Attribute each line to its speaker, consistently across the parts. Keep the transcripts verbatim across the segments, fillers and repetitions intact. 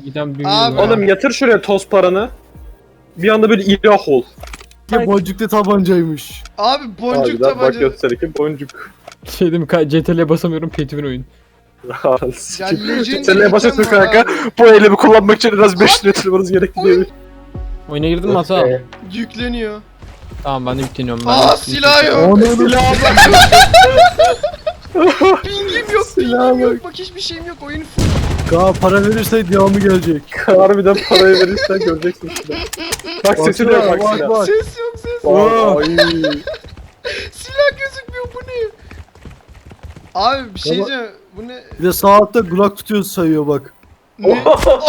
Speaker 1: giden bir
Speaker 2: Abi.
Speaker 1: var.
Speaker 3: Oğlum yatır şuraya toz paranı. Bir anda böyle ilah ol.
Speaker 4: Ya boncuklu tabancaymış.
Speaker 2: Abi boncuk
Speaker 3: Harbiden bak
Speaker 2: tabanca.
Speaker 3: göster ki boncuk.
Speaker 1: Şey değil mi? C T R'ye basamıyorum. Pay to win oyun.
Speaker 2: Ya Legendary
Speaker 3: Seneye basıyorsun
Speaker 2: item var
Speaker 3: kanka.
Speaker 2: abi.
Speaker 3: Bu elimi kullanmak için en az beş lira yatırmanız gerekli değil mi?
Speaker 1: Oyuna girdin mi hata?
Speaker 2: Yükleniyor.
Speaker 1: Tamam ben de yükleniyorum. Ben
Speaker 2: Aa
Speaker 1: de-
Speaker 2: silah yok.
Speaker 4: Onu
Speaker 2: Silah Pingim yok,
Speaker 3: Silah
Speaker 2: pingim
Speaker 3: bak.
Speaker 2: yok. Bak hiçbir şeyim yok. Oyun full.
Speaker 4: Kaa para verirse devamı gelecek.
Speaker 3: Harbiden parayı verirsen göreceksin silah. Bak sesi de yok bak
Speaker 4: Bak,
Speaker 3: silah.
Speaker 4: bak.
Speaker 2: Ses yok ses.
Speaker 3: Vay.
Speaker 2: Silah gözükmüyor, bu ne? Abi bir şey
Speaker 4: Baba-
Speaker 2: diyeceğim. Bu ne?
Speaker 4: Bir de saatte Glock tutuyor sayıyor bak.
Speaker 2: Ne?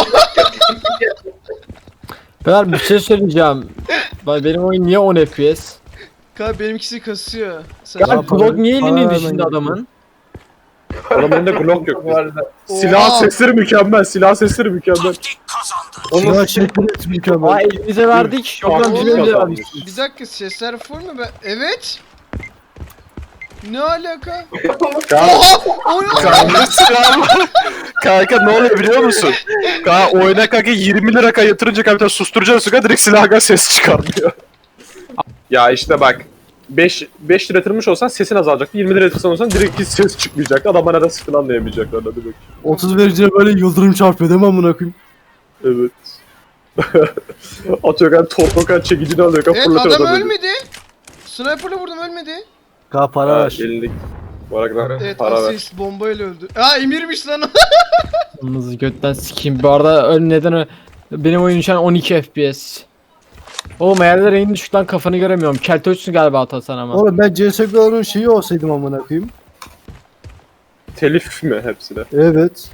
Speaker 1: Ben bir şey söyleyeceğim. Bak benim oyun niye on F P S?
Speaker 2: Kanka benimkisi kasıyor.
Speaker 1: Ya
Speaker 2: Saçma.
Speaker 4: para-
Speaker 1: Glock niye
Speaker 4: para
Speaker 1: elinin
Speaker 4: vermen
Speaker 1: dışında
Speaker 4: gerekiyor.
Speaker 1: adamın?
Speaker 3: Adamın elinde Glock yok. Silah
Speaker 2: Oha.
Speaker 3: sesleri mükemmel. Silah sesleri mükemmel.
Speaker 4: Silah şekli mükemmel.
Speaker 1: Aa elimize verdik. Yok lan
Speaker 3: Farklı
Speaker 1: bizim elimize
Speaker 3: kazanmış.
Speaker 1: verdik.
Speaker 2: Bir dakika, sesler full mu? Ben... Evet. Ne alaka?
Speaker 3: Kanka,
Speaker 2: Oha! O ne?
Speaker 3: kanka silah var. Kanka ne oluyor biliyor musun? Kanka oyuna kanka yirmi lira kanka yatırınca kanka bir tane susturucu kanka direkt silahdan ses çıkarmıyor. Ya işte bak. beş beş lira yatırmış olsan sesin azalacaktı. yirmi lira yatırsan olsan direkt hiç ses çıkmayacaktı. Adam nereden sıkıldığını anlayamayacaklar. Hadi bak.
Speaker 4: otuz vericine böyle yıldırım çarpıyor değil mi amına koyayım?
Speaker 3: Evet. Atıyor kanka torpokan çekicini alıyor kanka
Speaker 2: Evet,
Speaker 3: fırlatıyor
Speaker 2: adam
Speaker 3: adamı.
Speaker 2: ölmedi. Sniper'la vurdum, ölmedi.
Speaker 4: Kaa para
Speaker 3: Ha,
Speaker 4: ver.
Speaker 3: elindeki. Bırak lan
Speaker 2: Evet,
Speaker 3: para ver.
Speaker 2: asist bombayla öldü. Aa Emir'miş lan o.
Speaker 1: Yalnız götten sikeyim. Bu arada ön neden ö- benim oyun şu an on iki F P S. Oğlum ayarlar en düşük lan, kafanı göremiyorum. Keltoçsun galiba Atasan ama.
Speaker 4: Oğlum ben C S G O'nun şeyi olsaydım amına koyayım.
Speaker 3: Telif mi hepsi de?
Speaker 4: Evet.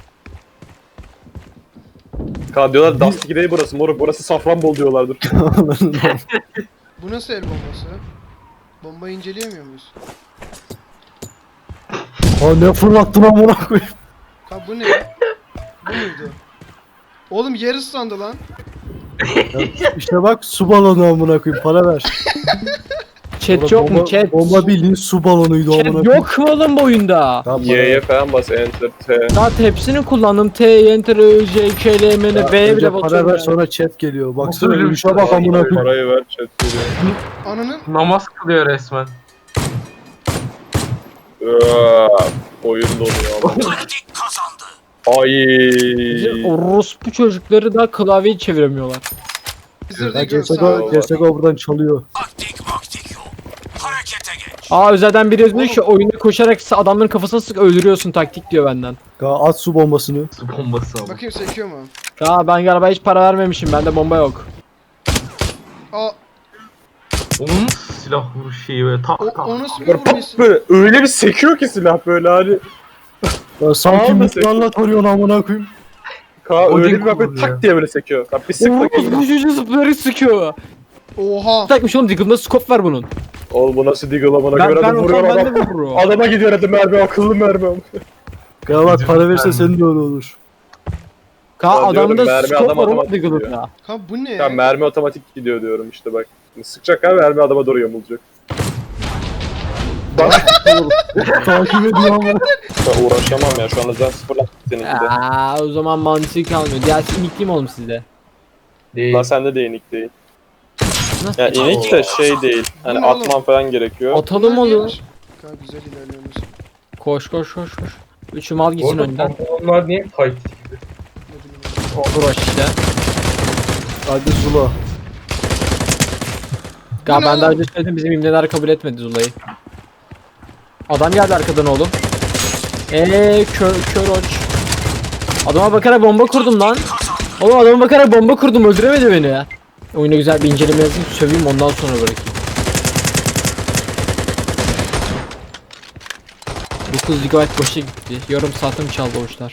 Speaker 3: Kanka diyorlar Dust iki değil burası moruk. Burası Safranbolu diyorlardır.
Speaker 2: Bu nasıl el bombası? Bombayı inceleyemiyor muyuz?
Speaker 4: Ha ne fırlattın amına koyayım.
Speaker 2: Ha bu ne? Bu muydu? Oğlum yer ıslandı lan.
Speaker 4: İşte bak su balonu amına koyayım para ver.
Speaker 1: Chat yok mu
Speaker 4: Bomba-
Speaker 1: chat?
Speaker 4: Bomba bildiğin su balonuydu amına
Speaker 1: Chat
Speaker 4: koyayım.
Speaker 1: yok mu oğlum bu oyunda?
Speaker 4: Tamam, para
Speaker 3: Y'ye
Speaker 4: ver.
Speaker 3: falan bas enter T.
Speaker 1: Zaten hepsini kullandım. T, Enter, Ö, J, K, L, M, N,
Speaker 4: Ya,
Speaker 1: B'ye
Speaker 4: önce
Speaker 1: bile
Speaker 4: para
Speaker 1: basıyorum.
Speaker 4: ver
Speaker 1: yani.
Speaker 4: sonra chat geliyor. Baksana
Speaker 5: Nasıl öyle bir
Speaker 4: yürüyüşe
Speaker 5: şey
Speaker 4: bak
Speaker 5: var?
Speaker 4: amına koyayım.
Speaker 3: Parayı ver chat geliyor.
Speaker 2: Ananın.
Speaker 5: Namaz kılıyor resmen.
Speaker 3: Iııı, Oyun donuyor ama. Ay.
Speaker 1: Bizim orospu çocukları da klavyeyi çeviremiyorlar.
Speaker 2: Bizir de
Speaker 4: Ya
Speaker 2: gör
Speaker 4: C S G
Speaker 2: sağ
Speaker 4: O,
Speaker 2: ol.
Speaker 4: C S G O buradan çalıyor.
Speaker 1: Aa özelden biri yazmış ki oyunda koşarak adamların kafasına sık öldürüyorsun taktik diyor benden.
Speaker 4: Ya at su bombasını.
Speaker 5: Su bombası ama.
Speaker 2: Bakayım sekiyor mu?
Speaker 1: Ya ben galiba hiç para vermemişim. Bende bomba yok.
Speaker 2: Aa
Speaker 5: Onun silah vuruş şeyi böyle tak
Speaker 2: o,
Speaker 5: tak.
Speaker 2: o nasıl bir
Speaker 3: Böyle pat
Speaker 2: vurması?
Speaker 3: böyle öyle bir sekiyor ki silah böyle hani.
Speaker 4: Ya sanki
Speaker 3: Tamam da
Speaker 4: mutlarla tarıyorsun amına koyayım.
Speaker 3: Ka
Speaker 5: Odin
Speaker 3: öyle bir bak böyle
Speaker 5: kullanıyor.
Speaker 3: tak diye böyle sekiyor. Bak bir sık bakayım.
Speaker 1: Orospu çocuğu zıplayarak sıkıyor.
Speaker 2: Oha.
Speaker 1: Takmış oğlum, Diggle'da scope var bunun.
Speaker 3: Oğlum bu nasıl Deagle amına
Speaker 1: Ben,
Speaker 3: göre
Speaker 1: ben
Speaker 3: adam
Speaker 1: olsam
Speaker 3: vuruyor
Speaker 1: ben de
Speaker 3: adam.
Speaker 1: vururum.
Speaker 3: Adama gidiyor hadi mermi akıllı mermi.
Speaker 4: Ya bak para verirse senin de öyle olur.
Speaker 1: Ka
Speaker 3: Ya
Speaker 1: adamın
Speaker 3: diyorum,
Speaker 1: da
Speaker 3: mermi
Speaker 1: scope
Speaker 3: adam
Speaker 1: var oğlum
Speaker 3: otomatik
Speaker 1: Diggle'da.
Speaker 3: gidiyor.
Speaker 2: Ha bu ne?
Speaker 3: Ya mermi otomatik gidiyor diyorum işte bak. Sıkacak abi mermi adama doğru yamulacak.
Speaker 4: Takip ediyor ama.
Speaker 3: Ben uğraşamam ya şu anda zaten sıfırlattım seninki de.
Speaker 1: Aa, o zaman mantığı kalmıyor. Diğersi inikli mi oğlum sizde?
Speaker 5: Değil.
Speaker 3: Lan sende de inik değil.
Speaker 1: Nasıl?
Speaker 3: Ya inik de şey değil. Hani
Speaker 2: Bu ne oğlum?
Speaker 3: atman falan gerekiyor.
Speaker 1: Atalım
Speaker 2: Bunlar
Speaker 1: oğlum.
Speaker 2: neymiş? Kanka güzel ilerliyoruz.
Speaker 1: Koş koş koş koş. Üçü mal gitsin
Speaker 5: Orada
Speaker 1: önden.
Speaker 5: pantolonlar niye tight gibi?
Speaker 1: Olur işte.
Speaker 4: Hadi Zula.
Speaker 1: Ya
Speaker 2: ne
Speaker 1: ben daha
Speaker 2: oğlum?
Speaker 1: önce söyledim, bizim imleler kabul etmedi Zula'yı. Adam geldi arkadan oğlum. Eee kör kör oç. Adama bakarak bomba kurdum lan. Oğlum adama bakarak bomba kurdum, öldüremedi beni ya. Oyuna güzel bir inceleme yazayım, söveyim ondan sonra bırakayım. dokuz gigabayt boşa gitti. Yarım saatim çaldı oçlar.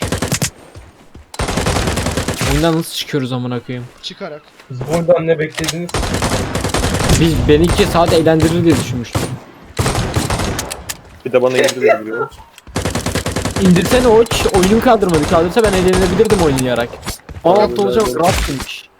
Speaker 1: Oyundan nasıl çıkıyoruz amına koyayım?
Speaker 2: Çıkarak.
Speaker 5: Siz buradan ne beklediniz?
Speaker 1: Biz beni iki saat eğlendirir diye düşünmüştüm.
Speaker 3: Bir de bana indiriyor biliyor musun?
Speaker 1: İndirsene oç, oyunum kaldırmadı. Kaldırsa ben eğlenebilirdim oynayarak. on altı olacak, rahat demiş.